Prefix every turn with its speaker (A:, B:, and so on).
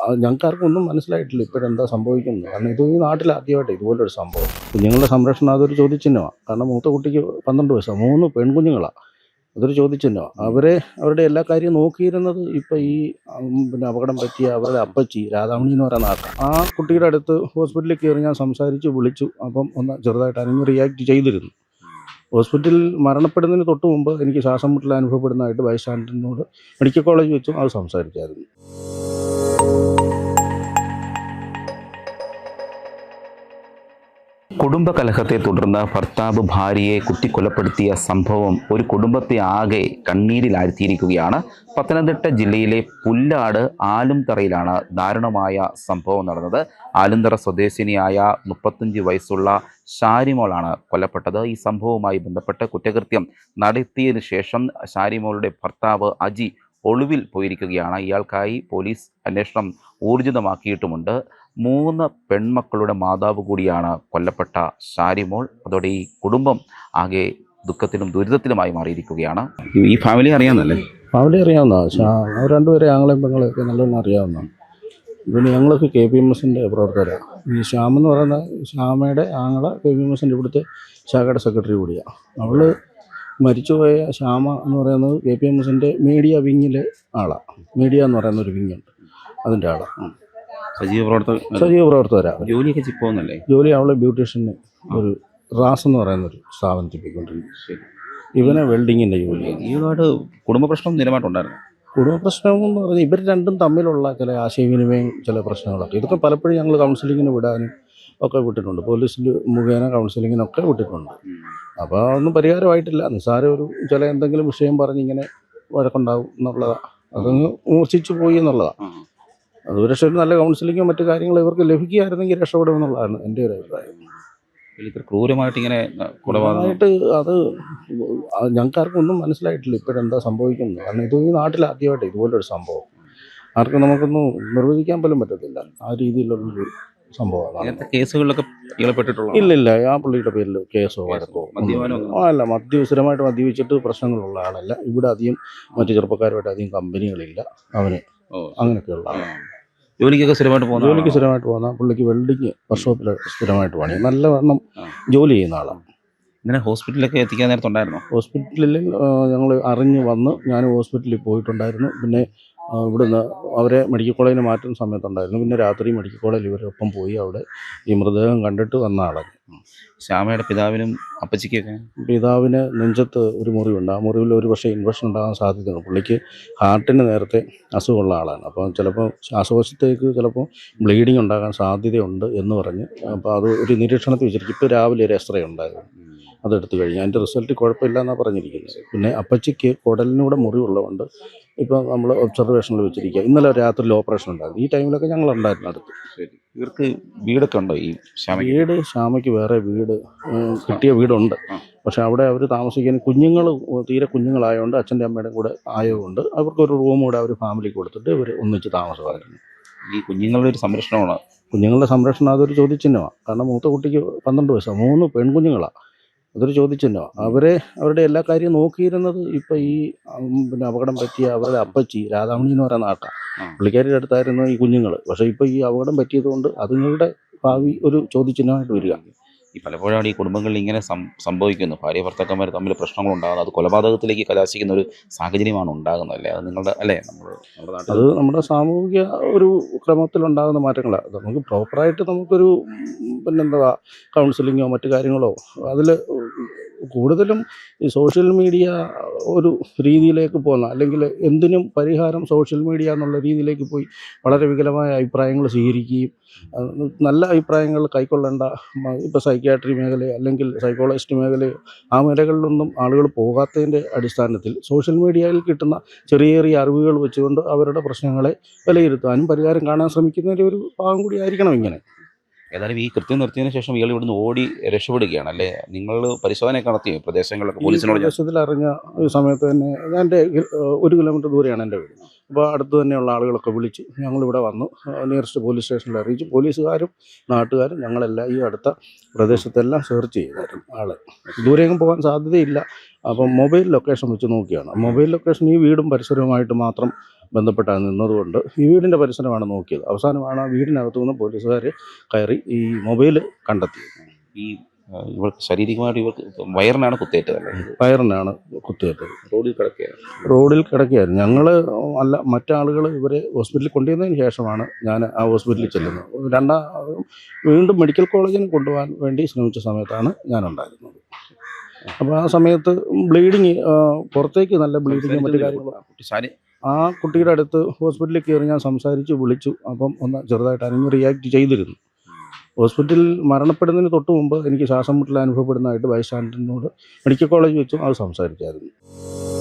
A: ഞങ്ങൾക്കാർക്കും ഒന്നും മനസ്സിലായിട്ടില്ല ഇപ്പോഴെന്താ സംഭവിക്കുന്നത്. കാരണം ഇത് ഈ നാട്ടിൽ ആദ്യമായിട്ട് ഇതുപോലൊരു സംഭവം. കുഞ്ഞുങ്ങളുടെ സംരക്ഷണം അതൊരു ചോദ്യചിഹ്നമാണ്. കാരണം മൂത്ത കുട്ടിക്ക് 12 വയസ്സാണ്, 3 പെൺകുഞ്ഞുങ്ങളാണ്. അതൊരു ചോദ്യചിഹ്നമാണ്. അവരുടെ എല്ലാ കാര്യവും നോക്കിയിരുന്നത് ഇപ്പം ഈ പിന്നെ അപകടം പറ്റിയ അവരുടെ അപ്പച്ചി രാധാമണി എന്ന് പറയുന്ന ആൾക്കാണ്. ആ കുട്ടിയുടെ അടുത്ത് ഹോസ്പിറ്റലിൽ കയറി ഞാൻ സംസാരിച്ചു, വിളിച്ചു. അപ്പം ഒന്ന് ചെറുതായിട്ട് അനങ്ങി റിയാക്ട് ചെയ്തിരുന്നു. ഹോസ്പിറ്റലിൽ മരണപ്പെടുന്നതിന് തൊട്ട് മുമ്പ് എനിക്ക് ശ്വാസം മുട്ടൽ അനുഭവപ്പെടുന്നതായിട്ട് ബൈസ്റ്റാൻഡറിനോട് മെഡിക്കൽ കോളേജ് വെച്ചും അത് സംസാരിച്ചായിരുന്നു.
B: കുടുംബകലഹത്തെ തുടർന്ന് ഭർത്താവ് ഭാര്യയെ കുത്തിക്കൊലപ്പെടുത്തിയ സംഭവം ഒരു കുടുംബത്തെ ആകെ കണ്ണീരിലാഴ്ത്തിയിരിക്കുകയാണ്. പത്തനംതിട്ട ജില്ലയിലെ പുല്ലാട് ആലുംതറയിലാണ് ദാരുണമായ സംഭവം നടന്നത്. ആലുംതറ സ്വദേശിനിയായ 35 വയസ്സുള്ള ഷാരിമോളാണ് കൊല്ലപ്പെട്ടത്. ഈ സംഭവവുമായി ബന്ധപ്പെട്ട് കുറ്റകൃത്യം നടത്തിയതിനു ശേഷം ഷാരിമോളുടെ ഭർത്താവ് അജി ഒളിവിൽ പോയിരിക്കുകയാണ്. ഇയാൾക്കായി പോലീസ് അന്വേഷണം ഊർജിതമാക്കിയിട്ടുമുണ്ട്. 3 പെൺമക്കളുടെ മാതാവ് കൂടിയാണ് കൊല്ലപ്പെട്ട ഷാരിമോൾ. അതോടെ ഈ കുടുംബം ആകെ ദുഃഖത്തിലും ദുരിതത്തിലുമായി മാറിയിരിക്കുകയാണ്. ഈ ഫാമിലി അറിയാവുന്നല്ലേ?
A: ഫാമിലി അറിയാവുന്നതാണ്. അവർ രണ്ടുപേരെ ആങ്ങളെയും പെങ്ങളെയൊക്കെ നല്ലോണം അറിയാവുന്നതാണ്. പിന്നെ ഞങ്ങളൊക്കെ KPMSൻ്റെ പ്രവർത്തകരാണ്. ഈ ശ്യാമെന്ന് പറയുന്ന ശ്യാമയുടെ ആങ്ങളെ KPMSൻ്റെ ഇവിടുത്തെ ശാഖയുടെ സെക്രട്ടറി കൂടിയാണ്. അവൾ മരിച്ചുപോയ ശ്യാമ എന്ന് പറയുന്നത് KPMSൻ്റെ മീഡിയ വിങ്ങിലെ ആളാണ്. മീഡിയ എന്ന് പറയുന്ന ഒരു വിങ്ങുണ്ട്, അതിൻ്റെ ആളാണ്.
B: സജീവ
A: പ്രവർത്തകരാണ്.
B: ജോലിയൊക്കെ പോകുന്നല്ലേ?
A: ജോലി അവളെ ബ്യൂട്ടീഷ്യന് ഒരു റാസ് എന്ന് പറയുന്നൊരു സ്ഥാപനത്തിൽ പോയിക്കൊണ്ടിരിക്കും. ഇവനെ വെൽഡിങ്ങിൻ്റെ ജോലി.
B: ഈയോട് കുടുംബ പ്രശ്നം നിലമായിട്ടുണ്ടായിരുന്നു.
A: കുടുംബ പ്രശ്നം എന്ന് പറഞ്ഞാൽ ഇവർ രണ്ടും തമ്മിലുള്ള ചില ആശയവിനിമയം, ചില പ്രശ്നങ്ങളൊക്കെ. ഇതൊക്കെ പലപ്പോഴും ഞങ്ങൾ കൗൺസിലിങ്ങിന് വിടാനും ഒക്കെ വിട്ടിട്ടുണ്ട്. പോലീസിൽ മുഖേന കൗൺസിലിങ്ങിനൊക്കെ വിട്ടിട്ടുണ്ട്. അപ്പോൾ അതൊന്നും പരിഹാരമായിട്ടില്ല. നിസ്സാരം ഒരു ചില എന്തെങ്കിലും വിഷയം പറഞ്ഞിങ്ങനെ വഴക്കുണ്ടാവും എന്നുള്ളതാണ്. അതങ്ങ് മൂർച്ഛിച്ചു പോയി എന്നുള്ളതാണ്. അത് പക്ഷേ ഒരു നല്ല കൗൺസിലിങ്ങോ മറ്റു കാര്യങ്ങളോ ഇവർക്ക് ലഭിക്കുകയായിരുന്നെങ്കിൽ രക്ഷപ്പെടുമെന്നുള്ളതാണ് എൻ്റെ ഒരു അഭിപ്രായം.
B: ഇത്ര ക്രൂരമായിട്ട് ഇങ്ങനെ
A: കൊലപാതകമായിട്ട് അത് ഞങ്ങൾക്കാർക്കും ഒന്നും മനസ്സിലായിട്ടില്ല ഇപ്പോഴെന്താ സംഭവിക്കുന്നത്. കാരണം ഇത് ഈ നാട്ടിൽ ആദ്യമായിട്ട് ഇതുപോലൊരു സംഭവം. ആർക്കും നമുക്കൊന്നും നിർവചിക്കാൻ പോലും പറ്റത്തില്ല. ആ രീതിയിലുള്ളൊരു സംഭവമാണ്.
B: കേസുകളിലൊക്കെ
A: ഇല്ലില്ല. ആ പുള്ളിയുടെ പേരിൽ കേസോ വഴക്കോ അല്ല. സ്ഥിരമായിട്ട് മദ്യപിച്ചിട്ട് പ്രശ്നങ്ങളുള്ള ആളല്ല. ഇവിടെ അധികം മറ്റു ചെറുപ്പക്കാരുമായിട്ട് അധികം കമ്പനികളില്ല അവന്. അങ്ങനെയൊക്കെയുള്ള ആളാണ്.
B: ജോലിക്ക് സ്ഥിരമായിട്ട്
A: പോകുന്ന പുള്ളിക്ക് വെൽഡിങ് വർക്ക്ഷോപ്പിൽ സ്ഥിരമായിട്ട് പണി. നല്ലവണ്ണം ജോലി ചെയ്യുന്ന ആളാണ്.
B: ഇങ്ങനെ ഹോസ്പിറ്റലിലൊക്കെ എത്തിക്കാൻ നേരത്തുണ്ടായിരുന്നു.
A: ഹോസ്പിറ്റലിൽ ഞങ്ങൾ അറിഞ്ഞ് വന്ന് ഞാൻ ഹോസ്പിറ്റലിൽ പോയിട്ടുണ്ടായിരുന്നു. പിന്നെ ഇവിടുന്ന് അവരെ മെഡിക്കൽ കോളേജിന് മാറ്റുന്ന സമയത്തുണ്ടായിരുന്നു. പിന്നെ രാത്രി മെഡിക്കൽ കോളേജിൽ ഇവരൊപ്പം പോയി അവിടെ ഈ മൃതദേഹം കണ്ടിട്ട് വന്ന ആളാണ്.
B: ശ്യാമയുടെ പിതാവിനും അപ്പച്ചിക്കൊക്കെ?
A: പിതാവിന് നെഞ്ചത്ത് ഒരു മുറിവുണ്ട്. ആ മുറിവിൽ ഒരു പക്ഷേ ഇൻഫെക്ഷൻ ഉണ്ടാകാൻ സാധ്യതയുണ്ട്. പുള്ളിക്ക് ഹാർട്ടിന് നേരത്തെ അസുഖമുള്ള ആളാണ്. അപ്പോൾ ചിലപ്പോൾ ശ്വാസകോശത്തേക്ക് ചിലപ്പോൾ ബ്ലീഡിങ് ഉണ്ടാകാൻ സാധ്യതയുണ്ട് എന്ന് പറഞ്ഞ് അപ്പോൾ അത് ഒരു നിരീക്ഷണത്തിൽ വെച്ചിരിക്കും. ഇപ്പോൾ രാവിലെ ഒരു എക്സ്റേ ഉണ്ടായിരുന്നു, അതെടുത്തു കഴിഞ്ഞു. അതിൻ്റെ റിസൾട്ട് കുഴപ്പമില്ല എന്നാണ് പറഞ്ഞിരിക്കുന്നത്. പിന്നെ അപ്പച്ചിക്ക് കുടലിനൂടെ മുറിവുള്ളതുകൊണ്ട് ഇപ്പോൾ നമ്മൾ ഒബ്സർവേഷനിൽ വെച്ചിരിക്കുക. ഇന്നലെ രാത്രിയിൽ ഓപ്പറേഷൻ ഉണ്ടായിരുന്നു. ഈ ടൈമിലൊക്കെ ഞങ്ങളുണ്ടായിരുന്നു അടുത്ത്.
B: ഇവർക്ക് വീടൊക്കെ ഉണ്ടോ? ഈ
A: ശ്യാമയ്ക്ക് വേറെ വീട് കിട്ടിയ വീടുണ്ട്. പക്ഷെ അവിടെ അവർ താമസിക്കാൻ കുഞ്ഞുങ്ങൾ തീരെ കുഞ്ഞുങ്ങളായതുകൊണ്ട് അച്ഛൻ്റെ അമ്മയുടെ കൂടെ ആയതുകൊണ്ട് അവർക്കൊരു റൂം കൂടെ അവർ ഫാമിലിക്ക് കൊടുത്തിട്ട് ഇവർ ഒന്നിച്ച് താമസമായിരുന്നു.
B: ഈ കുഞ്ഞുങ്ങളുടെ ഒരു സംരക്ഷണമാണ്.
A: കുഞ്ഞുങ്ങളുടെ സംരക്ഷണം അതൊരു ചോദ്യചിഹ്നമാണ്. കാരണം മൂത്ത കുട്ടിക്ക് 12 വയസ്സാണ്, 3 പെൺകുഞ്ഞുങ്ങളാണ്. അതൊരു ചോദ്യചിഹ്നമാണ്. അവരുടെ എല്ലാ കാര്യവും നോക്കിയിരുന്നത് ഇപ്പം ഈ പിന്നെ അപകടം പറ്റിയ അവരുടെ അപ്പച്ചി രാധാമണി എന്ന് പറയുന്ന ആൾക്കാണ്. പുള്ളിക്കാരിയുടെ അടുത്തായിരുന്നു ഈ കുഞ്ഞുങ്ങൾ. പക്ഷേ ഇപ്പോൾ ഈ അപകടം പറ്റിയതുകൊണ്ട് അതുങ്ങളുടെ ഭാവി ഒരു ചോദ്യചിഹ്നമായിട്ട് വരിക.
B: ഈ പലപ്പോഴാണ് ഈ കുടുംബങ്ങളിൽ ഇങ്ങനെ സംഭവിക്കുന്നു. ഭാര്യ ഭർത്താക്കന്മാർ തമ്മിൽ പ്രശ്നങ്ങളുണ്ടാകുന്നത്, അത് കൊലപാതകത്തിലേക്ക് കലാശിക്കുന്ന ഒരു സാഹചര്യമാണ് ഉണ്ടാകുന്നത് അല്ലേ? അത് നിങ്ങളുടെ അല്ലേ?
A: അത് നമ്മുടെ സാമൂഹിക ഒരു ക്രമത്തിലുണ്ടാകുന്ന മാറ്റങ്ങളാണ്. നമുക്ക് പ്രോപ്പറായിട്ട് നമുക്കൊരു പിന്നെന്താ കൗൺസിലിങ്ങോ മറ്റു കാര്യങ്ങളോ അതിൽ കൂടുതലും ഈ സോഷ്യൽ മീഡിയ ഒരു രീതിയിലേക്ക് പോകുന്ന, അല്ലെങ്കിൽ എന്തിനും പരിഹാരം സോഷ്യൽ മീഡിയ എന്നുള്ള രീതിയിലേക്ക് പോയി വളരെ വികലമായ അഭിപ്രായങ്ങൾ സ്വീകരിക്കുകയും നല്ല അഭിപ്രായങ്ങൾ കൈക്കൊള്ളേണ്ട ഇപ്പോൾ സൈക്യാട്രി മേഖല അല്ലെങ്കിൽ സൈക്കോളജിസ്റ്റ് മേഖല ആ മേഖലകളിലൊന്നും ആളുകൾ പോകാത്തതിൻ്റെ അടിസ്ഥാനത്തിൽ സോഷ്യൽ മീഡിയയിൽ കിട്ടുന്ന ചെറിയ ചെറിയ അറിവുകൾ വെച്ചുകൊണ്ട് അവരുടെ പ്രശ്നങ്ങളെ വിലയിരുത്താനും പരിഹാരം കാണാൻ ശ്രമിക്കുന്നതിൻ്റെ ഒരു ഭാഗം കൂടി ആയിരിക്കണം ഇങ്ങനെ.
B: ഏതായാലും ഈ കൃത്യം നിർത്തിയതിനു ശേഷം ഇയാൾ ഇവിടുന്ന് ഓടി രക്ഷപ്പെടുകയാണ് അല്ലേ? നിങ്ങൾ പരിശോധനയൊക്കെ നടത്തിയോ പ്രദേശങ്ങളിലൊക്കെ? പോലീസിനോട്
A: അറിഞ്ഞ സമയത്ത് തന്നെ എൻ്റെ 1 കിലോമീറ്റർ ദൂരെയാണ് എൻ്റെ വീട്. അപ്പോൾ അടുത്ത് തന്നെയുള്ള ആളുകളൊക്കെ വിളിച്ചു ഞങ്ങളിവിടെ വന്നു നിയറസ്റ്റ് പോലീസ് സ്റ്റേഷനിൽ അറിയിച്ചു. പോലീസുകാരും നാട്ടുകാരും ഞങ്ങളെല്ലാം ഈ അടുത്ത പ്രദേശത്തെല്ലാം സെർച്ച് ചെയ്തായിരുന്നു ആളെ. ദൂരെയെങ്കിലും പോകാൻ സാധ്യതയില്ല. അപ്പം മൊബൈൽ ലൊക്കേഷൻ വെച്ച് നോക്കിയാണ്. മൊബൈൽ ലൊക്കേഷൻ ഈ വീടും പരിസരവുമായിട്ട് മാത്രം ബന്ധപ്പെട്ടാണ് നിന്നതുകൊണ്ട് ഈ വീടിൻ്റെ പരിസരമാണ് നോക്കിയത്. അവസാനമാണ് ആ വീടിനകത്തു നിന്ന് പോലീസുകാർ കയറി ഈ മൊബൈൽ കണ്ടെത്തിയത്.
B: ഈ ഇവർക്ക് ശാരീരികമായിട്ട് ഇവർക്ക് വയറിനാണ് കുത്തേറ്റതല്ലേ?
A: വയറിനാണ് കുത്തിയേറ്റത്.
B: റോഡിൽ കിടക്കുകയാണ്.
A: റോഡിൽ കിടക്കുകയായിരുന്നു. ഞങ്ങൾ അല്ല, മറ്റാളുകൾ ഇവരെ ഹോസ്പിറ്റലിൽ കൊണ്ടുവന്നതിന് ശേഷമാണ് ഞാൻ ആ ഹോസ്പിറ്റലിൽ ചെല്ലുന്നത്. വീണ്ടും മെഡിക്കൽ കോളേജിൽ കൊണ്ടുപോകാൻ വേണ്ടി ശ്രമിച്ച സമയത്താണ് ഞാനുണ്ടായിരുന്നത്. അപ്പോൾ ആ സമയത്ത് ബ്ലീഡിങ്, പുറത്തേക്ക് നല്ല ബ്ലീഡിങ് മറ്റു കാര്യങ്ങളും. ആ കുട്ടിയുടെ അടുത്ത് ഹോസ്പിറ്റലിൽ കയറി ഞാൻ സംസാരിച്ചു, വിളിച്ചു. അപ്പം ഒന്ന് ചെറുതായിട്ട് അനങ്ങി റിയാക്ട് ചെയ്തിരുന്നു. ഹോസ്പിറ്റലിൽ മരണപ്പെടുന്നതിന് തൊട്ട് മുമ്പ് എനിക്ക് ശ്വാസം മുട്ടൽ അനുഭവപ്പെടുന്നതായിട്ട് ബൈസ്റ്റാൻഡറിനോട് മെഡിക്കൽ കോളേജ് വെച്ചും അത് സംസാരിച്ചായിരുന്നു.